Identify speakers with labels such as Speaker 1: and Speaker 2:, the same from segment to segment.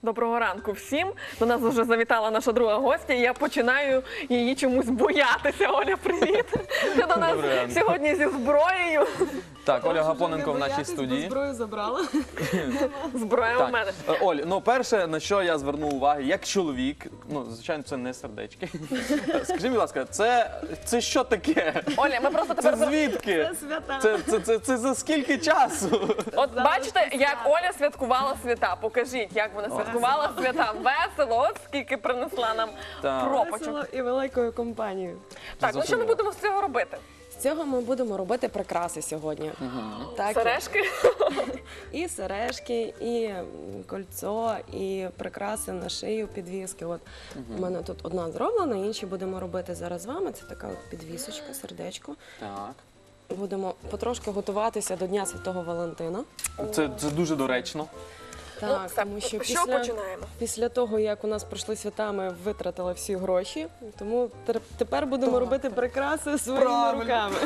Speaker 1: Доброго ранку всім. До нас вже завітала наша друга гостя, і я починаю її чомусь боятися. Оля, привіт! Ти до нас сьогодні зі зброєю.
Speaker 2: Так, Оля Гапоненко в нашій студії.
Speaker 3: Зброю забрала.
Speaker 1: Зброя у мене.
Speaker 2: Оль, ну перше, на що я звернув увагу, як чоловік, ну, звичайно, це не сердечки. Скажи, будь ласка, це що таке?
Speaker 1: Оля, ми просто
Speaker 2: Це
Speaker 1: тепер...
Speaker 2: звідки?
Speaker 3: Свята.
Speaker 2: Це за скільки часу?
Speaker 1: От бачите, як Оля святкувала свята. Покажіть, як вона святкувала свята. Весело, от скільки принесла нам
Speaker 2: Так.
Speaker 1: пропачок.
Speaker 3: Весело і великою компанією.
Speaker 1: Так, ну що ми будемо з цього робити?
Speaker 3: З цього ми будемо робити прикраси сьогодні. Так,
Speaker 1: Сережки?
Speaker 3: і сережки, і кольцо, і прикраси на шию, підвіски. От у мене тут одна зроблена, інші будемо робити зараз з вами. Це така от підвісочка, сердечко.
Speaker 2: Так.
Speaker 3: Будемо потрошки готуватися до Дня Святого Валентина.
Speaker 2: Це дуже доречно.
Speaker 3: Так,
Speaker 1: все,
Speaker 3: тому що
Speaker 1: що починаємо?
Speaker 3: після того, як у нас пройшли свята, ми витратили всі гроші, тому тепер будемо робити прикраси своїми
Speaker 2: Правильно.
Speaker 3: руками.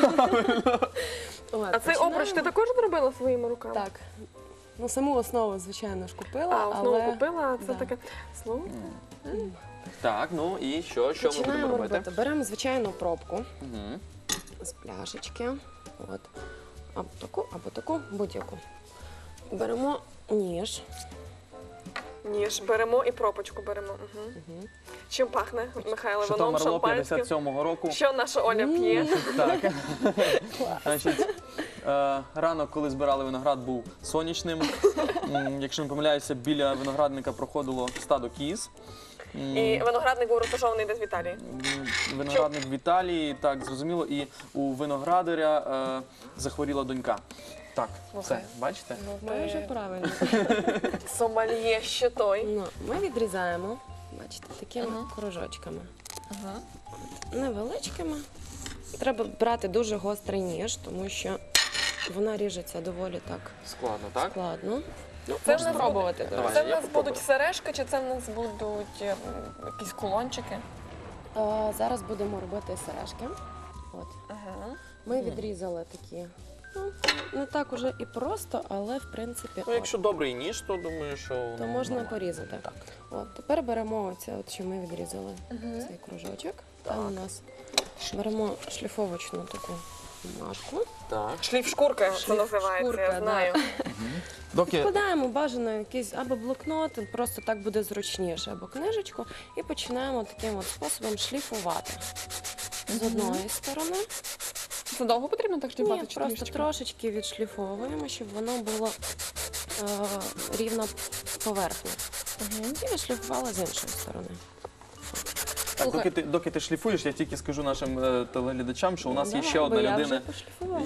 Speaker 3: От,
Speaker 1: А цей
Speaker 3: починаємо.
Speaker 1: обруч ти також зробила своїми руками?
Speaker 3: Так. Ну, саму основу, звичайно ж, купила,
Speaker 1: А, основу
Speaker 3: але
Speaker 1: купила, а це
Speaker 3: да.
Speaker 1: таке слово.
Speaker 2: Так, ну і що ми будемо
Speaker 3: починаємо
Speaker 2: робити?
Speaker 3: робити. Беремо звичайну пробку
Speaker 2: Мгм.
Speaker 3: з пляшечки. От. Або таку, будь-яку. Беремо ніж.
Speaker 1: Ніж беремо і пропочку беремо. Угу. Чим пахне, Михайло?
Speaker 2: Що
Speaker 1: Вином,
Speaker 2: там Марло
Speaker 1: шампанським?
Speaker 2: 57-го року.
Speaker 1: Що наша Оля п'є?
Speaker 2: Так. Значить, ранок, коли збирали виноград, був сонячним. Якщо не помиляюся, біля виноградника проходило стадо кіз.
Speaker 1: І виноградник був розташований десь в Італії.
Speaker 2: Виноградник в Італії, так, зрозуміло. І у виноградаря захворіла донька. Так, це, бачите?
Speaker 3: Дуже правильно.
Speaker 1: Сомальє ще той.
Speaker 3: Ну, ми відрізаємо, бачите, такими кружочками. Невеличкими. Треба брати дуже гострий ніж, тому що вона ріжеться доволі так
Speaker 2: Складно, так?
Speaker 3: складно. Ну,
Speaker 1: Це
Speaker 3: можна
Speaker 1: в нас
Speaker 3: спробувати. до
Speaker 2: Давай.
Speaker 3: речі.
Speaker 1: Це в
Speaker 2: я
Speaker 1: нас
Speaker 2: попробую.
Speaker 1: будуть сережки, чи це в нас будуть якісь кулончики?
Speaker 3: Зараз будемо робити сережки. От. Ми відрізали такі. Ну, не так уже і просто, але в принципі
Speaker 2: Ну, якщо добрий ніж, то думаю, що
Speaker 3: то можна
Speaker 2: нормально.
Speaker 3: порізати.
Speaker 2: Так.
Speaker 3: От, тепер беремо оце, от, що ми відрізали, цей кружочок. Там у нас беремо шліфовочну таку бумажку.
Speaker 2: Так.
Speaker 1: Шліф шкурка це
Speaker 3: Шліф
Speaker 1: називається,
Speaker 3: шкурка,
Speaker 1: я
Speaker 3: да.
Speaker 1: знаю.
Speaker 2: Доки
Speaker 3: Вкладаємо бажано якийсь або блокнот, просто так буде зручніше, або книжечку, і починаємо таким от способом шліфувати. З одної сторони.
Speaker 1: Це довго потрібно так шліфувати?
Speaker 3: Ні,
Speaker 1: чи
Speaker 3: просто
Speaker 1: трішечки?
Speaker 3: трошечки відшліфовуємо, щоб воно було рівна поверхня. І відшліфували з іншої сторони.
Speaker 2: Так, доки ти шліфуєш, я тільки скажу нашим телеглядачам, що у нас є
Speaker 3: Давай,
Speaker 2: ще одна
Speaker 3: бо я вже
Speaker 2: людина,
Speaker 3: пошліфувала.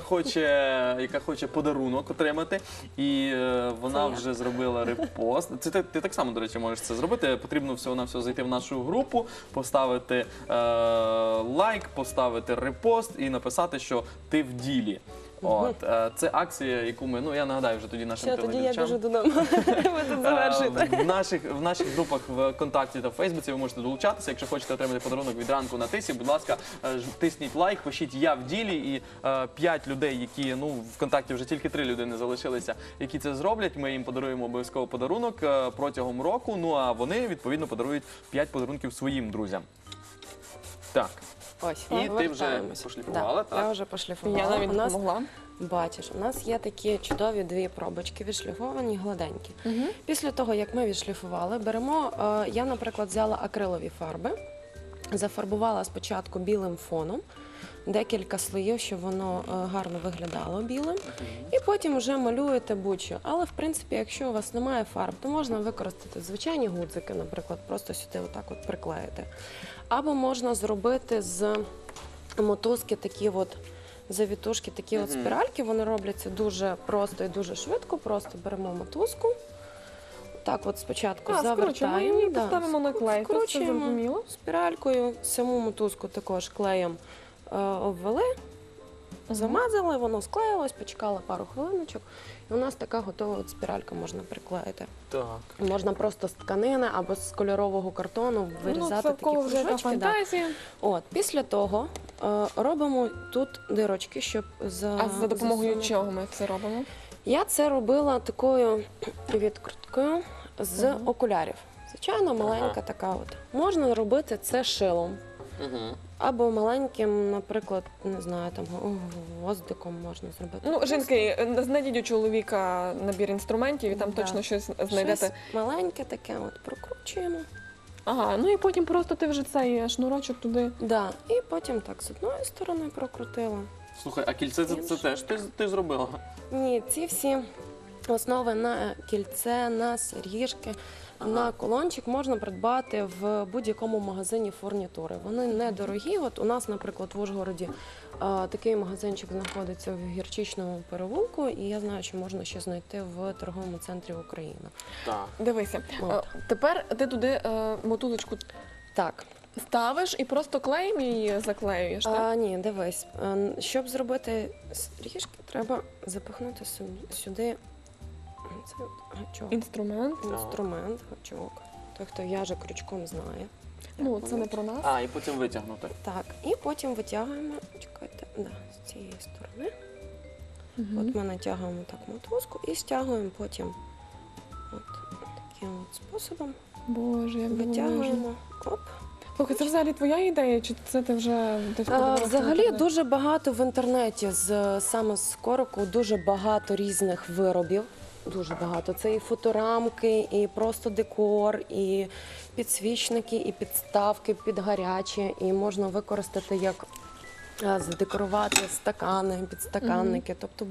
Speaker 2: яка хоче подарунок отримати, і вона
Speaker 3: Це я.
Speaker 2: вже зробила репост. Це ти так само, до речі, можеш це зробити. Потрібно всього-навсього зайти в нашу групу, поставити лайк, поставити репост і написати, що ти в ділі. От, це акція, яку ми, ну я нагадаю вже тоді нашим
Speaker 3: Все, тоді я
Speaker 2: телеглядачам.
Speaker 3: біжу додому. Ви тут завершуєте.
Speaker 2: В наших групах в ВКонтакті та в Фейсбуці ви можете долучатися. Якщо хочете отримати подарунок від ранку на тисі, будь ласка, тисніть лайк, пишіть «Я в ділі» і 5 людей, які, ну, в ВКонтакті вже тільки 3 людини залишилися, які це зроблять. Ми їм подаруємо обов'язково подарунок протягом року, ну а вони, відповідно, подарують 5 подарунків своїм друзям. Так.
Speaker 3: Ось,
Speaker 2: І ти вже
Speaker 3: повертаємось.
Speaker 2: пошліфувала, так?
Speaker 3: Я вже пошліфувала.
Speaker 1: Я навіть
Speaker 3: У нас,
Speaker 1: допомогла.
Speaker 3: бачиш, у нас є такі чудові дві пробочки відшліфовані, гладенькі. Після того, як ми відшліфували, беремо, я, наприклад, взяла акрилові фарби, зафарбувала спочатку білим фоном, декілька слоїв, щоб воно гарно виглядало білим, і потім вже малюєте будь-що. Але, в принципі, якщо у вас немає фарб, то можна використати звичайні гудзики, наприклад, просто сюди отак от приклеїти. Або можна зробити з мотузки такі от завітушки, такі от спіральки, вони робляться дуже просто і дуже швидко. Просто беремо мотузку, так от спочатку завертаємо,
Speaker 1: і поставимо на клей. Тут все зрозуміло.
Speaker 3: скручуємо спіралькою, саму мотузку також клеєм обвели, замазали, воно склеїлось, почекали пару хвилиночок, і у нас така готова от спіралька можна приклеїти.
Speaker 2: Так.
Speaker 3: Можна просто з тканини або з кольорового картону вирізати
Speaker 1: Ну, це в
Speaker 3: такі
Speaker 1: кого вже яка
Speaker 3: кружочки. Да.
Speaker 1: фантазія.
Speaker 3: От, після того робимо тут дирочки, щоб
Speaker 1: А за допомогою
Speaker 3: засунути.
Speaker 1: чого ми це робимо?
Speaker 3: Я це робила такою відкруткою. з окулярів. Звичайно, маленька така от. Можна робити це шилом. Або маленьким, наприклад, не знаю, там гвоздиком можна зробити.
Speaker 1: Ну, жінки, знайдіть у чоловіка набір інструментів і там
Speaker 3: Да.
Speaker 1: точно щось знайдете.
Speaker 3: Щось маленьке таке от прокручуємо.
Speaker 1: Ага, ну і потім просто ти вже цей шнурочок туди.
Speaker 3: Да. І потім так з одної сторони прокрутила.
Speaker 2: Слухай, а кільце це теж ти зробила?
Speaker 3: Ні, ці всі основи на кільце, на сережки, на кулончик можна придбати в будь-якому магазині фурнітури. Вони недорогі. От у нас, наприклад, в Ужгороді такий магазинчик знаходиться в Гірчичному переулку, і я знаю, що можна ще знайти в торговому центрі Україна.
Speaker 2: Так.
Speaker 1: Дивися,
Speaker 3: От.
Speaker 1: тепер ти туди мотузочку
Speaker 3: Так.
Speaker 1: ставиш і просто клеєм її заклеюєш, так?
Speaker 3: Ні, дивись, щоб зробити сережки, треба запихнути сюди цей гачок.
Speaker 1: Інструмент.
Speaker 3: Інструмент, гачок. Той, хто в'яже крючком, знає.
Speaker 1: Ну,
Speaker 3: Як
Speaker 1: це
Speaker 3: воно.
Speaker 1: не про нас.
Speaker 2: А, і потім витягнути.
Speaker 3: Так, і потім витягуємо, чекайте, з цієї сторони. От ми натягуємо так мотузку і стягуємо потім таким от способом.
Speaker 1: Боже, як
Speaker 3: Витягуємо. Оп.
Speaker 1: Слухай, це взагалі твоя ідея, чи це ти вже десь подивилася в
Speaker 3: Взагалі
Speaker 1: інтернеті?
Speaker 3: дуже багато в інтернеті саме з короку, дуже багато різних виробів. Дуже багато. Це і фоторамки, і просто декор, і підсвічники, і підставки під гарячі. І можна використати як задекорувати стакани, підстаканники. Тобто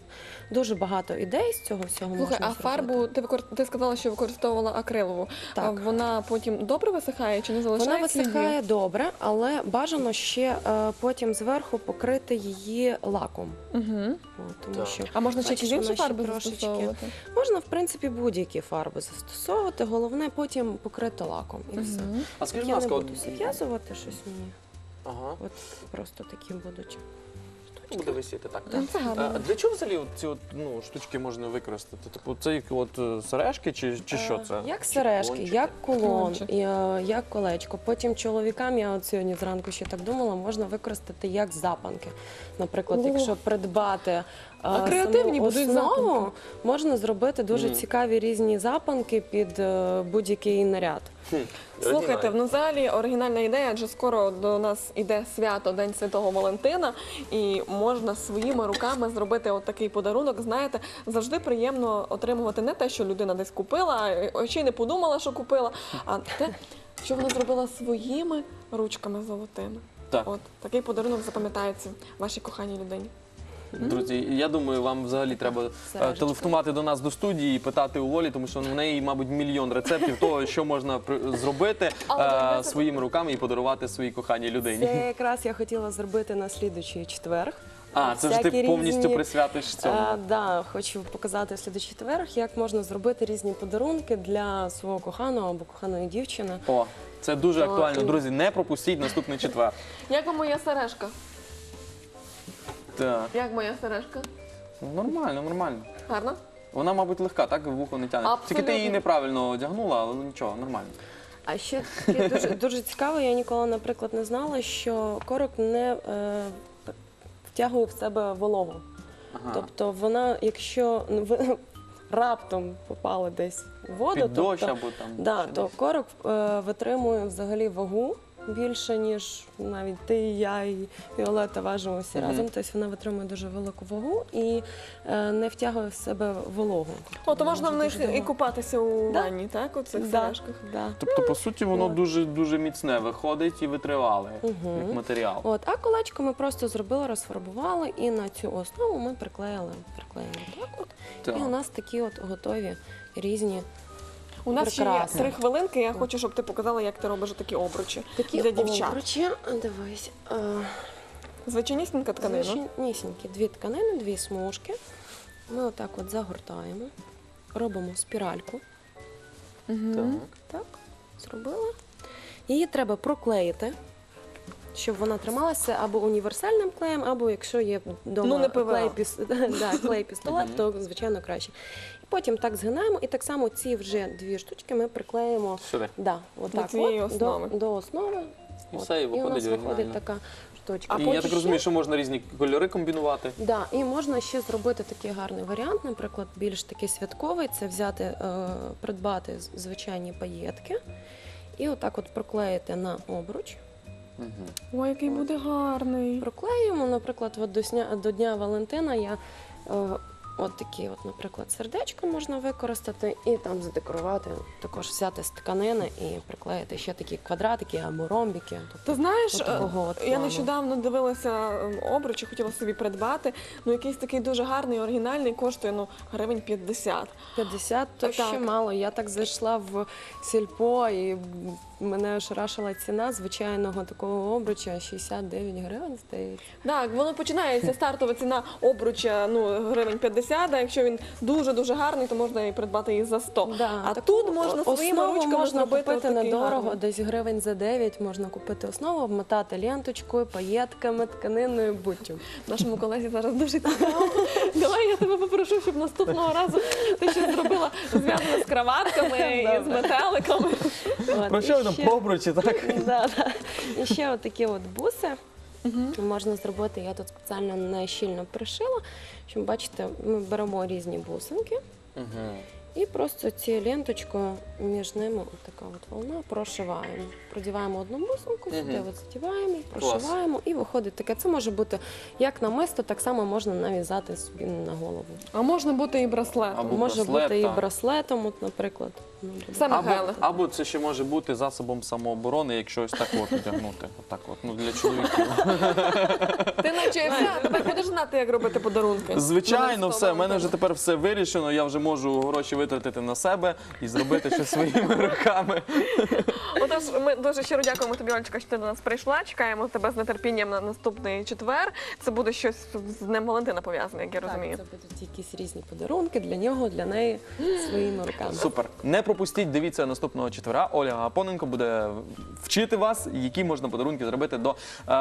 Speaker 3: дуже багато ідей з цього всього
Speaker 1: Слухай,
Speaker 3: можна
Speaker 1: а
Speaker 3: зробити.
Speaker 1: фарбу ти сказала, що використовувала акрилову.
Speaker 3: Так.
Speaker 1: А вона потім добре висихає чи не
Speaker 3: Вона
Speaker 1: залишає
Speaker 3: висихає добре, але бажано ще потім зверху покрити її лаком.
Speaker 1: Угу.
Speaker 3: Тому
Speaker 2: Так.
Speaker 3: що
Speaker 1: А можна ще
Speaker 3: бачиш,
Speaker 1: якісь інші
Speaker 3: вона ще
Speaker 1: фарби
Speaker 3: трошечки.
Speaker 1: застосовувати?
Speaker 3: Можна, в принципі, будь-які фарби застосовувати. Головне потім покрити лаком. І все.
Speaker 1: Мгм.
Speaker 2: А скажи, будь
Speaker 3: Я не
Speaker 2: ласка,
Speaker 3: буду зав'язувати щось мені.
Speaker 2: Ага,
Speaker 3: От просто такі будуть.
Speaker 2: буде висіти, так.
Speaker 1: Ну, це гарно.
Speaker 2: А для чого взагалі ці штучки можна використати? Типу, це як сережки чи що це?
Speaker 3: Як
Speaker 2: Чи
Speaker 3: сережки,
Speaker 2: кулончики?
Speaker 3: як кулон,
Speaker 1: Кулончик.
Speaker 3: як колечко. Потім чоловікам, я от сьогодні зранку ще так думала, можна використати як запанки. Наприклад,
Speaker 1: О.
Speaker 3: якщо придбати
Speaker 1: А креативні
Speaker 3: саму
Speaker 1: будуть
Speaker 3: основу,
Speaker 1: запанки.
Speaker 3: можна зробити дуже цікаві різні запанки під будь-який наряд.
Speaker 1: Слухайте,
Speaker 2: Оригінально.
Speaker 1: ну взагалі оригінальна ідея, адже скоро до нас іде свято День Святого Валентина, і можна своїми руками зробити от такий подарунок. Знаєте, завжди приємно отримувати не те, що людина десь купила, а ще й не подумала, що купила, а те, що вона зробила своїми ручками золотими.
Speaker 2: Так.
Speaker 1: От такий подарунок запам'ятається вашій коханій людині.
Speaker 2: Друзі, я думаю, вам взагалі треба
Speaker 3: Сережечки.
Speaker 2: телефонувати до нас до студії і питати у Олі, тому що в неї, мабуть, мільйон рецептів того, що можна зробити
Speaker 1: Але це-
Speaker 2: своїми руками і подарувати своїй коханій людині.
Speaker 3: Це якраз я хотіла зробити на слідуючий четвер.
Speaker 2: А, це вже ти
Speaker 3: всякі
Speaker 2: повністю
Speaker 3: різні-
Speaker 2: присвятиш цьому.
Speaker 3: Да, хочу показати в слідуючий четвер, як можна зробити різні подарунки для свого коханого або коханої дівчини.
Speaker 2: О, це дуже
Speaker 3: Так.
Speaker 2: актуально. Друзі, не пропустіть наступний четвер.
Speaker 1: Як вам моя сережка?
Speaker 2: Так,
Speaker 1: Як моя сережка?
Speaker 2: нормально, нормально.
Speaker 1: Гарно?
Speaker 2: Вона, мабуть, легка, так в вухо не тягне. Тільки ти
Speaker 1: Абсолютно.
Speaker 2: її неправильно одягнула, але нічого, нормально.
Speaker 3: А ще таке дуже, дуже цікаво, я ніколи, наприклад, не знала, що корок не втягує в себе вологу.
Speaker 2: Ага.
Speaker 3: Тобто вона, якщо ви раптом попали десь в воду,
Speaker 2: Під дощ
Speaker 3: тобто,
Speaker 2: або там.
Speaker 3: да,
Speaker 2: ще
Speaker 3: то
Speaker 2: десь.
Speaker 3: корок витримує взагалі вагу більше, ніж навіть ти, я і Віолетта важимо всі разом. Тобто вона витримує дуже велику вагу і не втягує в себе вологу.
Speaker 1: О, то можна в
Speaker 3: Може
Speaker 1: них
Speaker 3: дуже
Speaker 1: і
Speaker 3: довго.
Speaker 1: купатися у
Speaker 3: Да.
Speaker 1: ванні, так? У цих
Speaker 3: Да,
Speaker 1: сережках.
Speaker 3: да.
Speaker 2: Тобто, по суті, воно
Speaker 3: От.
Speaker 2: дуже дуже міцне виходить і витривале,
Speaker 3: Мгм.
Speaker 2: як матеріал.
Speaker 3: От, а колечко ми просто зробили, розфарбували і на цю основу ми приклеїмо так от.
Speaker 2: Так.
Speaker 3: І у нас такі от готові різні
Speaker 1: У нас ще є
Speaker 3: Прекрасно.
Speaker 1: 3 хвилинки. Я хочу, щоб ти показала, як ти робиш такі обручі
Speaker 3: такі
Speaker 1: для дівчат.
Speaker 3: обручі. Дивись,
Speaker 1: Звичайнісінька тканина.
Speaker 3: звичайнісінькі дві тканини, дві смужки. Ми отак от загортаємо, робимо спіральку.
Speaker 2: Так.
Speaker 3: Так, зробила. Її треба проклеїти, щоб вона трималася або універсальним клеєм, або якщо є вдома
Speaker 1: Ну, не ПВА.
Speaker 3: клей-пістолет, то, звичайно, краще. І потім так згинаємо, і так само ці вже дві штучки ми приклеїмо
Speaker 2: Сюди.
Speaker 3: да, отак
Speaker 1: цієї
Speaker 3: от,
Speaker 1: основи.
Speaker 3: до основи.
Speaker 2: І
Speaker 3: От.
Speaker 2: все, і
Speaker 3: І у нас
Speaker 2: виходить
Speaker 3: виходить
Speaker 2: оригінально.
Speaker 3: така штучки.
Speaker 2: І я так розумію, що можна різні кольори комбінувати.
Speaker 3: Да, і можна ще зробити такий гарний варіант, наприклад, більш такий святковий, це взяти, придбати звичайні паєтки і отак от проклеїти на обруч.
Speaker 1: Ой, який буде гарний.
Speaker 3: Проклеюємо, наприклад, от до Дня Валентина я от такі, от, наприклад, сердечко можна використати і там задекорувати, також взяти з тканини і приклеїти ще такі квадратики або ромбики.
Speaker 1: Ти знаєш,
Speaker 3: от такого от
Speaker 1: я
Speaker 3: плану.
Speaker 1: нещодавно дивилася обручі, хотіла собі придбати. Ну, якийсь такий дуже гарний, оригінальний, коштує гривень 50.
Speaker 3: 50 то
Speaker 1: Так.
Speaker 3: ще мало. Я так зайшла в сільпо і мене ошарашила ціна звичайного такого обруча 69 гривень, здається.
Speaker 1: Так, воно починається стартова ціна обруча гривень 50, а якщо він дуже-дуже гарний, то можна і придбати і за 100.
Speaker 3: Да,
Speaker 1: А
Speaker 3: так
Speaker 1: тут можна своїми
Speaker 3: основу
Speaker 1: ручками
Speaker 3: можна
Speaker 1: зробити
Speaker 3: купити
Speaker 1: отакий
Speaker 3: недорого,
Speaker 1: гарний.
Speaker 3: десь гривень за 9 можна купити основу, обмотати ленточкою, паєтками, тканиною, буттю.
Speaker 1: Нашому колезі зараз дуже цікаво. Давай я тебе попрошу, щоб наступного разу ти щось зробила зв'язане з краватками і з метеликами.
Speaker 3: От,
Speaker 2: Про
Speaker 3: і
Speaker 2: що ви там
Speaker 3: ще-
Speaker 2: по обручі, так?
Speaker 3: Да. І ще отакі от буси можна зробити. Я тут спеціально не щільно пришила, щоб бачите, ми беремо різні бусинки і просто цією ленточкою між ними така от волна прошиваємо. Продіваємо одну бусинку, сюди от задіваємо, прошиваємо і виходить таке. Це може бути як намисто, так само можна нав'язати собі на голову.
Speaker 1: А можна бути і браслетом.
Speaker 2: Або
Speaker 3: Може
Speaker 2: браслет,
Speaker 3: бути і
Speaker 2: так.
Speaker 3: браслетом, от, наприклад.
Speaker 1: Все,
Speaker 2: Або,
Speaker 1: Михайло.
Speaker 2: або це ще може бути засобом самооборони, якщо ось так от одягнути. Отак от, для чоловіків.
Speaker 1: Ти навчився, тепер будеш знати, як робити подарунки.
Speaker 2: Звичайно, все. У мене вже
Speaker 1: вже
Speaker 2: тепер все вирішено. Я вже можу гроші витратити на себе і зробити щось своїми руками.
Speaker 1: Отож, ми дуже щиро дякуємо тобі, Олечка, що ти до нас прийшла. Чекаємо тебе з нетерпінням на наступний четвер. Це буде щось з Днем Валентина пов'язане, як я розумію.
Speaker 3: Так, це будуть якісь різні подарунки для нього, для неї своїми руками.
Speaker 2: Супер. Не пропустіть, дивіться наступного четвера. Оля Гапоненко буде вчити вас, які можна подарунки зробити до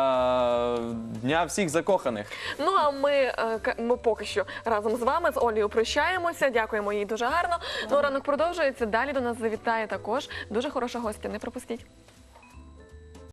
Speaker 2: Дня всіх закоханих.
Speaker 1: Ну а ми поки що разом з вами, з Олею, прощаємося. Дякуємо їй дуже гарно. Ну, ранок продовжується. Далі до нас завітає також дуже хороша гостя. Не пропустіть.